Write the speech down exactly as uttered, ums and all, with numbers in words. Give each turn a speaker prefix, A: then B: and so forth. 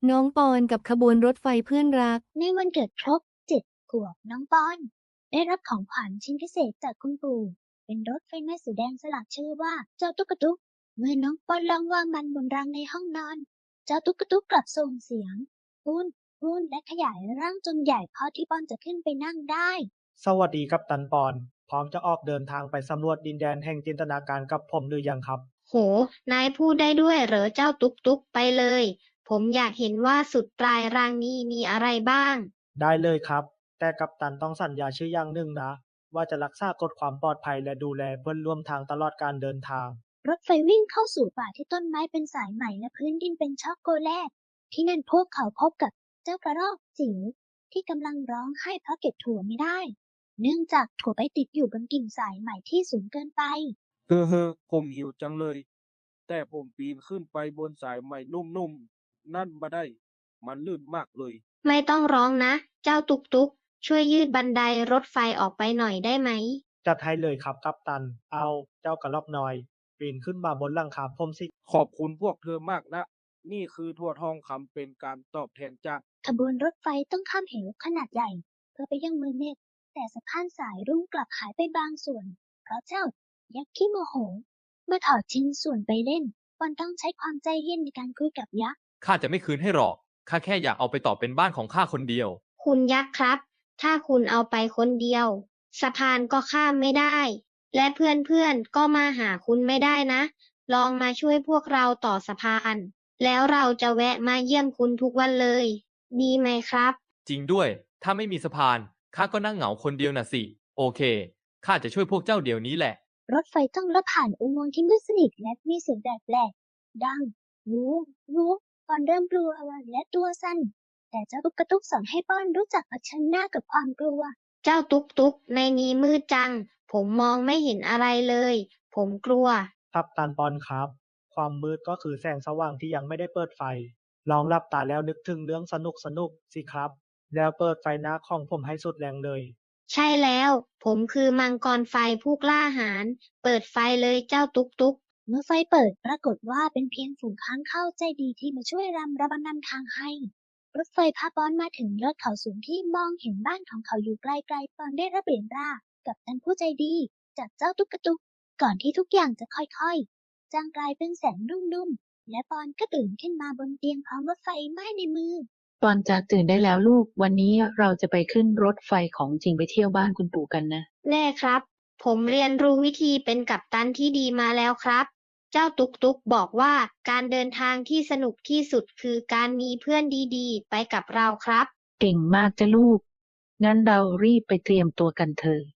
A: น้องปอนกับขบวนรถไฟเพื่อนรัก
B: ในวันเกิดครบเจ็ดขวบน้องปอนได้รับของขวัญชิ้นพิเศษจากคุณปู่เป็นรถไฟไหม้สีแดงสลักชื่อว่าเจ้าตุ๊กตุ๊กเมื่อน้องปอนลองวางมันบนรางในห้องนอนเจ้าตุ๊กตุ๊กกลับส่งเสียงพูนพูนและขยายร่างจนใหญ่พอที่ปอนจะขึ้นไปนั่งได้
C: สวัสดีกัปตันปอนพร้อมจะออกเดินทางไปสำรวจดินแดนแห่งจินตนาการกับผมหรือยังครับ
D: โหนายพูดได้ด้วยเหรอเจ้าตุ๊กตุ๊กไปเลยผมอยากเห็นว่าสุดปลายรางนี้มีอะไรบ้าง
C: ได้เลยครับแต่กัปตันต้องสัญญาชื่ออย่างหนึ่งนะว่าจะรักษากฎความปลอดภัยและดูแลเพื่อนร่วมทางตลอดการเดินทาง
B: รถไฟวิ่งเข้าสู่ป่าที่ต้นไม้เป็นสายไหมและพื้นดินเป็นช็อกโกแลตที่นั่นพวกเขาพบกับเจ้ากระรอกจิ๋วที่กำลังร้องไห้เพราะเก็บถั่วไม่ได้เนื่องจากถั่วไปติดอยู่บนกิ่งสายไหมที่สูงเกินไป
E: เฮ้อเฮ้อผมหิวจังเลยแต่ผมปีนขึ้นไปบนสายไหมนุ่มๆนั่นมาได้มันลื่นมากเลย
D: ไม่ต้องร้องนะเจ้าตุ๊กตุ๊กช่วยยืดบันไดรถไฟออกไปหน่อยได้ไหม
C: จัดให้เลยครับกัปตันเอาเจ้ากระรอกน้อยปีนขึ้นมาบนหลังคาผมสิ
E: ขอบคุณพวกเธอมากนะนี่คือทั่วทองคำเป็นการตอบแทนจาก
B: ขบวนรถไฟต้องข้ามเหวขนาดใหญ่เพื่อไปยังเมืองเมฆแต่สะพานสายรุ้งกลับหายไปบางส่วนเพราะเจ้ายักษ์ขี้โมโหเมื่อถอดชิ้นส่วนไปเล่นปอนต้องใช้ความใจเย็นในการคุยกับยักษ์
F: ข้าจะไม่คืนให้หรอกข้าแค่อยากเอาไปต่อเป็นบ้านของข้าคนเดียว
D: คุณยักษ์ครับถ้าคุณเอาไปคนเดียวสะพานก็ข้ามไม่ได้และเพื่อนๆก็มาหาคุณไม่ได้นะลองมาช่วยพวกเราต่อสะพานแล้วเราจะแวะมาเยี่ยมคุณทุกวันเลยดีไหมครับ
F: จริงด้วยถ้าไม่มีสะพานข้าก็นั่งเหงาคนเดียวน่ะสิโอเคข้าจะช่วยพวกเจ้าเดี๋ยวนี้แหละ
B: รถไฟต้องลอดผ่านอุโมงค์ที่มืดสนิทและมีเสียงแปลกๆดังวูวูปอนเริ่มกลัวและตัวสั่นแต่เจ้าตุ๊กตุ๊กสอนให้ปอนรู้จักเผชิญหน้ากับความกลัว
D: เจ้าตุ๊กตุ๊กในนี้มืดจังผมมองไม่เห็นอะไรเลยผมกลัว
C: กัปตันปอนครับความมืดก็คือแสงสว่างที่ยังไม่ได้เปิดไฟลองหลับตาแล้วนึกถึงเรื่องสนุกสนุกสิครับแล้วเปิดไฟหน้าของผมให้สุดแรงเลย
D: ใช่แล้วผมคือมังกรไฟผู้กล้าหาญเปิดไฟเลยเจ้าตุ๊กตุ๊ก
B: เมื่อไฟเปิดปรากฏว่าเป็นเพียงฝูงค้างคาวใจดีที่มาช่วยรำระบำนำทางให้รถไฟพาปอนมาถึงยอดเขาสูงที่มองเห็นบ้านของเขาอยู่ไกลๆปอนได้รับเหรียญรากับท่านผู้ใจดีจากเจ้าตุ๊กตุ๊กก่อนที่ทุกอย่างจะค่อยๆจางกลายเป็นแสงนุ่มๆและปอนก็ตื่นขึ้นมาบนเตียงพร้อมรถไฟไหม้ในมือ
G: ปอนจากตื่นได้แล้วลูกวันนี้เราจะไปขึ้นรถไฟของจริงไปเที่ยวบ้านคุณปู่กันนะ
D: แน่ครับผมเรียนรู้วิธีเป็นกัปตันที่ดีมาแล้วครับเจ้าตุ๊กตุ๊กบอกว่าการเดินทางที่สนุกที่สุดคือการมีเพื่อนดีๆไปกับเราครับ
G: เก่งมากจ้ะลูกงั้นเรารีบไปเตรียมตัวกันเถอะ